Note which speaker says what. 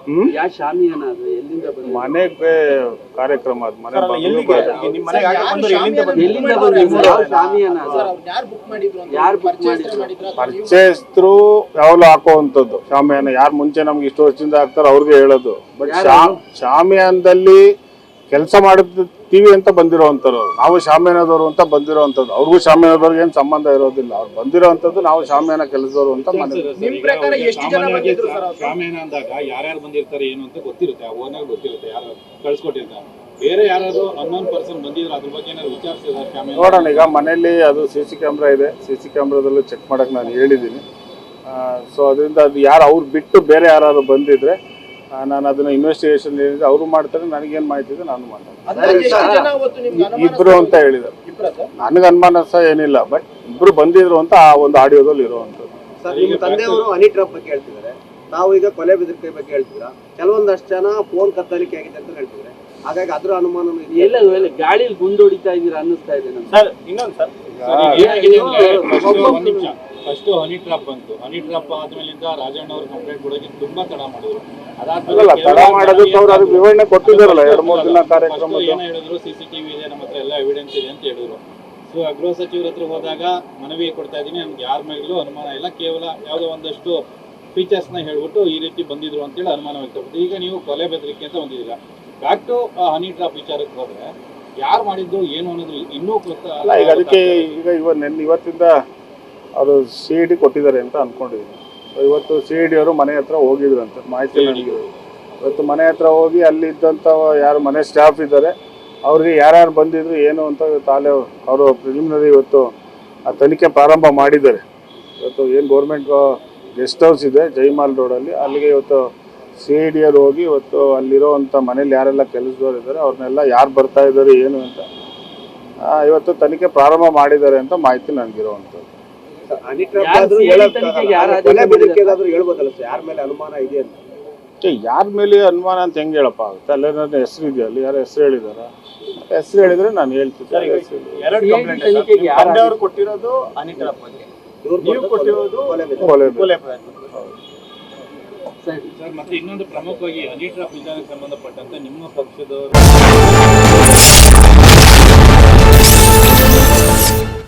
Speaker 1: ಯಾವ ಶಾಮಿಯಾನ ಅದು ಎಲ್ಲಿಂದ ಬಂದಿದೆ?
Speaker 2: ಮನೆಗೆ ಕಾರ್ಯಕ್ರಮ ಅದು ಮನೆ
Speaker 1: ಎಲ್ಲಿಂದ ಬಂದಿದೆ? ಯಾವ ಶಾಮಿಯಾನ ಅದು? ಯಾರು ಬುಕ್ ಮಾಡಿದ್ರು?
Speaker 2: ಪರಿಚಯಸ್ಥರು ಯಾವಾಗಲೂ ಹಾಕುವಂಥದ್ದು ಶಾಮಿಯಾನ. ಯಾರು ಮುಂಚೆ ನಮ್ಗೆ ಇಷ್ಟು ವರ್ಷದಿಂದ ಹಾಕ್ತಾರೋ ಅವ್ರಿಗೆ ಹೇಳೋದು. ಬಟ್ ಶಾಮಿಯಾನದಲ್ಲಿ ಕೆಲಸ ಮಾಡುತ್ತೀವಿ ಅಂತ ಬಂದಿರೋವಂಥವ್ರು, ನಾವು ಶಾಮಿಯಾನದವರು ಅಂತ ಬಂದಿರೋವಂಥದ್ದು. ಅವ್ರಿಗೂ ಶಾಮಿಯಾನದವ್ರಿಗೆ ಏನು ಸಂಬಂಧ ಇರೋದಿಲ್ಲ. ಅವ್ರು ಬಂದಿರೋವಂಥದ್ದು ನಾವು ಶಾಮಿಯಾನ ಕೆಲಸದವರು ಅಂತ
Speaker 3: ಶಾಮಿಯಾನ ಅಂದಾಗ ಯಾರ್ಯಾರು ಬಂದಿರ್ತಾರೆ ಏನು ಅಂತ ಗೊತ್ತಿರುತ್ತೆ, ಆ ಓನರ್ ಗೊತ್ತಿರುತ್ತೆ, ಯಾರು ಕಳ್ಸಿಕೊಟ್ಟಿರ್ತಾರೆ. ಬೇರೆ ಯಾರಾದ್ರು ಅನ್ನೋನ್ ಪರ್ಸನ್ ಬಂದಿದ್ರು ಅದ್ರ ಬಗ್ಗೆ ಏನಾದ್ರು ವಿಚಾರಿಸಿದ್ರೆ ಶಾಮಿಯಾನ
Speaker 2: ನೋಡೋಣ. ಈಗ ಮನೆಯಲ್ಲಿ ಅದು CC ಕ್ಯಾಮ್ರಾ ಇದೆ, CC ಕ್ಯಾಮ್ರಾದಲ್ಲೂ ಚೆಕ್ ಮಾಡಕ್ಕೆ ನಾನು ಹೇಳಿದ್ದೀನಿ. ಸೊ ಅದರಿಂದ ಅದು ಯಾರು ಅವ್ರು ಬಿಟ್ಟು ಬೇರೆ ಯಾರು ಬಂದಿದ್ರೆ ನಾನು ಅದನ್ನ ಇನ್ವೆಸ್ಟಿಗೇಷನ್ ಹೇಳಿದ್ರೆ ಅವರು ಮಾಡ್ತಾರೆ. ನನಗೇನು ಮಾಹಿತಿ ಇದೆ ನಾನು ಮಾಡ್ತೀನಿ. ಇಬ್ರು ಅಂತ ಹೇಳಿದ್ದಾರೆ. ನನಗೆ ಅನುಮಾನ ಸಹ ಏನಿಲ್ಲ, ಬಟ್ ಇಬ್ರು ಬಂದಿದ್ರು ಅಂತ ಆ ಒಂದು ಆಡಿಯೋದಲ್ಲಿ ಇರುವಂಥದ್ದು.
Speaker 4: ಸರ್, ನಿಮ್ಮ ತಂದೆಯವರು ಹನಿ ಟ್ರಾಪ್ ಬಗ್ಗೆ ಹೇಳ್ತಿದ್ದಾರೆ, ನಾವು ಈಗ ಕೊಲೆ ಬೆದರಿಕೆ ಬಗ್ಗೆ ಹೇಳ್ತೀರಾ. ಕೆಲವೊಂದಷ್ಟು ಜನ ಫೋನ್ ಕತ್ತಲಿಕೆ ಆಗಿದೆ ಅಂತ ಹೇಳ್ತಿದ್ದಾರೆ. ಹಾಗಾಗಿ ಅದ್ರ ಅನುಮಾನ
Speaker 1: ಎಲ್ಲ ಗಾಳಿಯಲ್ಲಿ ಗುಂಡೊಡಿತಾ ಇದೀರಾ ಅನ್ನಿಸ್ತಾ ಇದೆ ನಮ್ಗೆ.
Speaker 4: ಸರ್, ಇನ್ನೊಂದು ಸರ್,
Speaker 3: ಫಸ್ಟ್ ಹನಿ ಟ್ರಾಪ್ ಬಂತು. ಹನಿ ಟ್ರಾಪ್ ಆದ್ಮೇಲಿಂದ ರಾಜಣ್ಣ ಅವರು ಕಂಪ್ಲೇಂಟ್ ಕೊಡೋಕೆ ತುಂಬಾ ತಡ ಮಾಡಿದ್ರು.
Speaker 2: ತಡ ಮಾಡೋದಕ್ಕೆ ಅವ್ರು ಅದಕ್ಕೆ ವಿವರಣೆ ಕೊಟ್ಟಿದ್ದಾರಲ್ಲ 2-3 ದಿನ ಕಾರ್ಯಕ್ರಮ.
Speaker 3: ಏನೋ ಹೇಳಿದ್ರು, CCTV ಇದೆ, ನಮ್ಮ ಹತ್ರ ಎಲ್ಲ ಎವಿಡೆನ್ಸ್ ಇದೆ ಅಂತ ಹೇಳಿದ್ರು. ಸೊ ಗೃಹ ಸಚಿವರ ಹತ್ರ ಹೋದಾಗ ಮನವಿ ಕೊಡ್ತಾ ಇದ್ದೀನಿ, ನಮ್ಗೆ ಯಾರ ಮೇಲೂ ಅನುಮಾನ ಇಲ್ಲ, ಕೇವಲ ಯಾವುದೋ ಒಂದಷ್ಟು ಫೀಚರ್ಸ್ನ ಹೇಳ್ಬಿಟ್ಟು ಈ ರೀತಿ ಬಂದಿದ್ರು ಅಂತೇಳಿ ಅನುಮಾನ ವ್ಯಕ್ತಪಟ್ಟು ಈಗ ನೀವು ಕೊಲೆ ಬೆದರಿಕೆ ಅಂತ ಬಂದಿದ್ದೀರಾ. ಬ್ಯಾಕ್ ಟು ಹನಿ ಟ್ರಾಪ್ ವಿಚಾರಕ್ಕೆ ಹೋದ್ರೆ ಯಾರು ಮಾಡಿದ್ದು ಏನು ಅನ್ನೋದು ಇನ್ನೂ
Speaker 2: ಗೊತ್ತಲ್ಲ. ಈಗ ಅದಕ್ಕೆ ಇವತ್ತಿಂದ ಅವರು CID ಕೊಟ್ಟಿದ್ದಾರೆ ಅಂತ ಅನ್ಕೊಂಡಿದ್ದೀನಿ. ಸೊ ಇವತ್ತು CID ಅವರು ಮನೆ ಹತ್ರ ಹೋಗಿದ್ರು ಅಂತ ಮಾಹಿತಿ ನನಗೆ. ಇವತ್ತು ಮನೆ ಹತ್ರ ಹೋಗಿ ಅಲ್ಲಿ ಇದ್ದಂಥ ಯಾರು ಮನೆ ಸ್ಟಾಫ್ ಇದ್ದಾರೆ ಅವ್ರಿಗೆ ಯಾರ್ಯಾರು ಬಂದಿದ್ರು ಏನು ಅಂತ ತಾಲೆ ಅವರು ಪ್ರಿಲಿಮಿನರಿ ಇವತ್ತು ಆ ತನಿಖೆ ಪ್ರಾರಂಭ ಮಾಡಿದ್ದಾರೆ. ಇವತ್ತು ಏನು ಗೌರ್ಮೆಂಟ್ ಗೆಸ್ಟ್ ಹೌಸ್ ಇದೆ ಜೈಮಾಲ್ ರೋಡಲ್ಲಿ, ಅಲ್ಲಿಗೆ ಇವತ್ತು CID ಅವರು ಹೋಗಿ ಇವತ್ತು ಅಲ್ಲಿರೋವಂಥ ಮನೇಲಿ ಯಾರೆಲ್ಲ ಕೆಲಸದವ್ರು ಇದ್ದಾರೆ ಅವ್ರನ್ನೆಲ್ಲ ಯಾರು ಬರ್ತಾ ಇದ್ದಾರೆ ಏನು ಅಂತ ಇವತ್ತು ತನಿಖೆ ಪ್ರಾರಂಭ ಮಾಡಿದ್ದಾರೆ ಅಂತ ಮಾಹಿತಿ ನನಗಿರುವಂಥದ್ದು.
Speaker 4: ಯಾರ ಮೇಲೆ ಅನುಮಾನ ಇದೆ ಅಂತ?
Speaker 2: ಯಾರ ಮೇಲೆ ಅನುಮಾನ ಅಂತ ಹೆಂಗೆ ಹೇಳಪ್ಪ ಆಗುತ್ತೆ? ಅಲ್ಲೇ ನನ್ನ ಹೆಸರು ಇದೆಯಾ? ಅಲ್ಲಿ ಯಾರು ಹೆಸರು ಹೇಳಿದಾರ? ಹೆಸರು ಹೇಳಿದ್ರೆ ನಾನು ಹೇಳ್ತಿದ್ದೆ.
Speaker 4: ಕೊಟ್ಟಿರೋದು ಹನಿ ಟ್ರಾಪ್ ಬಗ್ಗೆ, ನೀವು ಕೊಟ್ಟಿರೋದು ಕೊಲೆ
Speaker 3: ಸರ್. ಮತ್ತೆ ಇನ್ನೊಂದು ಪ್ರಮುಖವಾಗಿ ಹನಿ ಟ್ರಾಪ್ ವಿಚಾರಕ್ಕೆ ಸಂಬಂಧಪಟ್ಟಂತೆ ನಿಮ್ಮ ಪಕ್ಷದ